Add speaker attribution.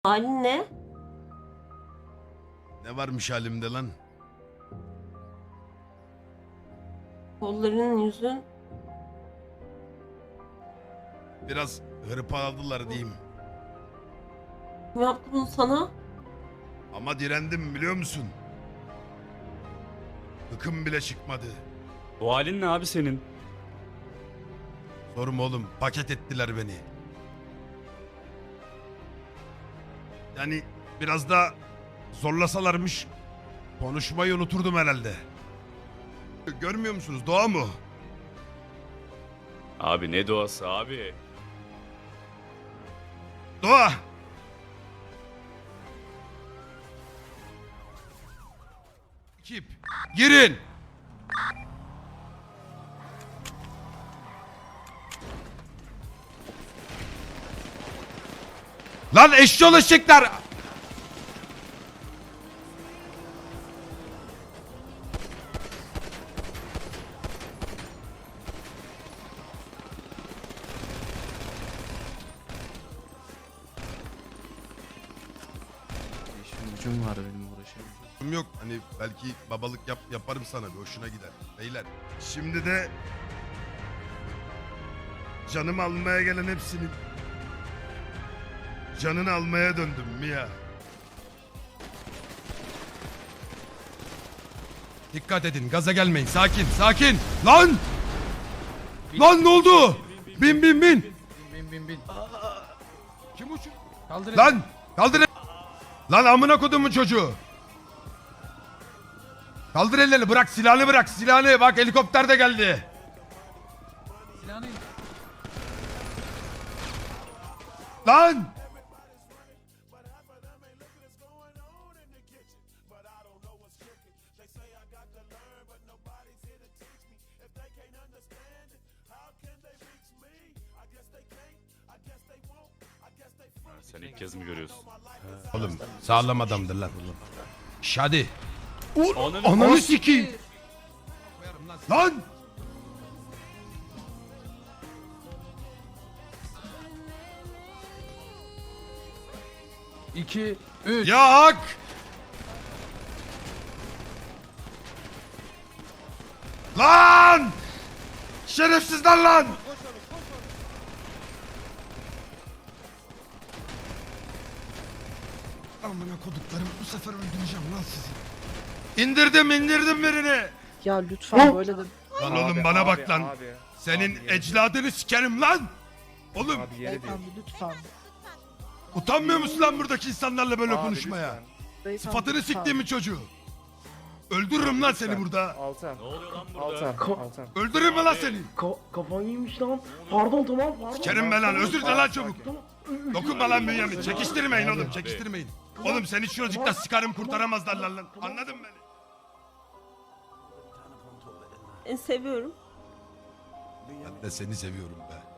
Speaker 1: Halin ne?
Speaker 2: Ne varmış halimde lan?
Speaker 1: Kolların, yüzün.
Speaker 2: Biraz hırpaladılar diyeyim.
Speaker 1: Kim yaptı bunu sana?
Speaker 2: Ama direndim biliyor musun? Hıkım bile çıkmadı.
Speaker 3: Bu halin ne abi senin?
Speaker 2: Sorma oğlum, paket ettiler beni. Yani biraz da zorlasalarmış konuşmayı unuturdum herhalde. Görmüyor musunuz? Doğa mu?
Speaker 3: Abi ne doğası abi?
Speaker 2: Doğa! Ekip, girin! Lan eşyol eşekler!
Speaker 4: İşim gücüm var benim uğraşamam.
Speaker 2: Yok hani belki babalık yaparım sana bir hoşuna gider. Beyler şimdi de canımı almaya gelen hepsinin canını almaya döndüm Mia. Dikkat edin gaza gelmeyin sakin sakin. Lan! Lan ne oldu? Bin.
Speaker 4: Bin.
Speaker 2: Kim uçuyor?
Speaker 4: Kaldır
Speaker 2: Lan! Kaldır. Lan amına kodumun çocuğu. Kaldır ellerini bırak silahını bırak silahını. Bak helikopter de geldi.
Speaker 4: silahını.
Speaker 2: Lan!
Speaker 3: Sen ilk kez mi görüyorsun?
Speaker 2: Oğlum sağlam adamdır lan. Şadi.
Speaker 3: Ananı
Speaker 2: Ananı sikeyim. Lan!
Speaker 4: İki, üç.
Speaker 2: Ya hak! Lan! Şerefsizler lan! Amına koduklarım bu sefer öldüreceğim lan sizi. İndirdim birini.
Speaker 5: Ya lütfen böyle de
Speaker 2: Lan oğlum bana bak lan. Senin ecladını sikerim lan. Oğlum
Speaker 5: beyefendi lütfen.
Speaker 2: utanmıyor musun lan buradaki insanlarla böyle konuşmaya?
Speaker 5: Beyefendi
Speaker 2: Sıfatını
Speaker 5: lütfen.
Speaker 2: siktiğimi çocuğu. Öldürürüm lan seni burada.
Speaker 6: Altan.
Speaker 3: Ne oluyor lan burada?
Speaker 6: Altan.
Speaker 2: Öldürürüm mü lan seni?
Speaker 7: Kafan yemiş lan. Pardon tamam pardon.
Speaker 2: Sikerim ben lan özür dile lan çabuk.
Speaker 7: Tamam.
Speaker 2: Dokunma lan Bünyamin. Çekiştirmeyin oğlum çekiştirmeyin. Oğlum seni şuracıkta sıkarım kurtaramazlar lan. Anladın mı beni?
Speaker 1: Seviyorum.
Speaker 2: Ben de seni seviyorum be.